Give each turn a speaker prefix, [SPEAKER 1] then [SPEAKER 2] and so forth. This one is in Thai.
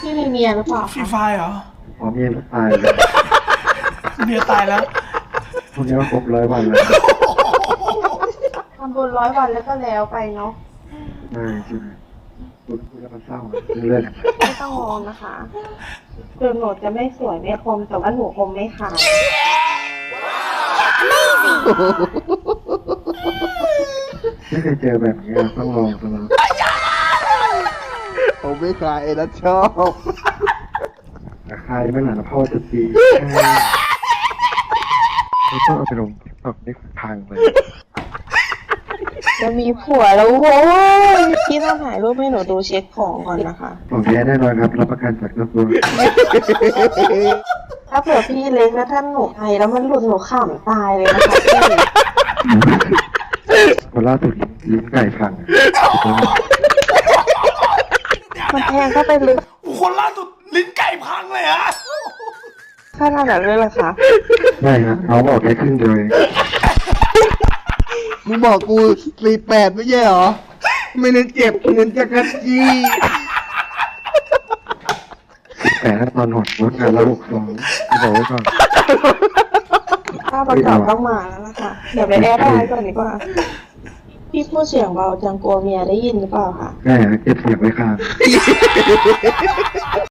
[SPEAKER 1] พี่มีเมียหรือเปล่า
[SPEAKER 2] ฟรี
[SPEAKER 1] คะ
[SPEAKER 2] ไฟเหรอ
[SPEAKER 3] อ๋อเมียตายเลย
[SPEAKER 2] เมียตายแล้ว
[SPEAKER 3] พวกนี้ก็ครบ100 วันแล้ว
[SPEAKER 1] ทำบุญ100 วันแล้วก็แล้วไปเนาะ
[SPEAKER 3] ใช่ใช่พูดแล้วมันเศร้าเรื่อง
[SPEAKER 1] ไม่ต้องมองนะคะถึงหนูจะไม่สวยไม่คมแต่ว่าหนูคมไม่ขาย
[SPEAKER 3] ไม่เคยเจอแบบนี้ต้องลองซะแล้ว
[SPEAKER 4] ผมไม่ขายเอ็นะชอบ
[SPEAKER 3] ราคาไม่หนาพ่อจะตีไม่ต้องเอาไปลงทิกตอกนี่พังเลย
[SPEAKER 1] จะมีผัวแล้วโว้ยพี่ต้องถ่ายรูปให้หนูดูเช็คของก่อนนะคะ
[SPEAKER 3] ของแท้แน่นอนครับรับประกันจากกระทรวง
[SPEAKER 1] ถ้าเผื่อพี่เล็กแล้วท่านหนูไทยแล้วมันหลุดหนูขำตายเลยนะคะพี่
[SPEAKER 3] คนล่าสุดลิ้นไก่พัง
[SPEAKER 1] มันแทงเข้าไปลึก
[SPEAKER 2] คนล่าสุดลิ้นไก่พังเลยฮะ
[SPEAKER 1] ขนาดนั้นเลยเหรอคะ
[SPEAKER 3] ไม่ฮะน้องบอกแค่ครึ่งเดียวเอง
[SPEAKER 4] มึงบอกกู48ไม่ใช่เหรอ ไม่เน้นเจ็บเน้นจักรจี้
[SPEAKER 3] แต่ถ้าตอนหดลดงานละ62บอกไว้ก่อน
[SPEAKER 1] ภาพประกอบต้องมาแล้วนะคะ เดี๋ยวไปแอดไลน์ก่อนดีกว่า พี่พูดเสียงเบาจังกลัวเมียได้ยินหรือเปล่าคะ
[SPEAKER 3] ใช่ฮะเก็บเสียงไว้ข้าง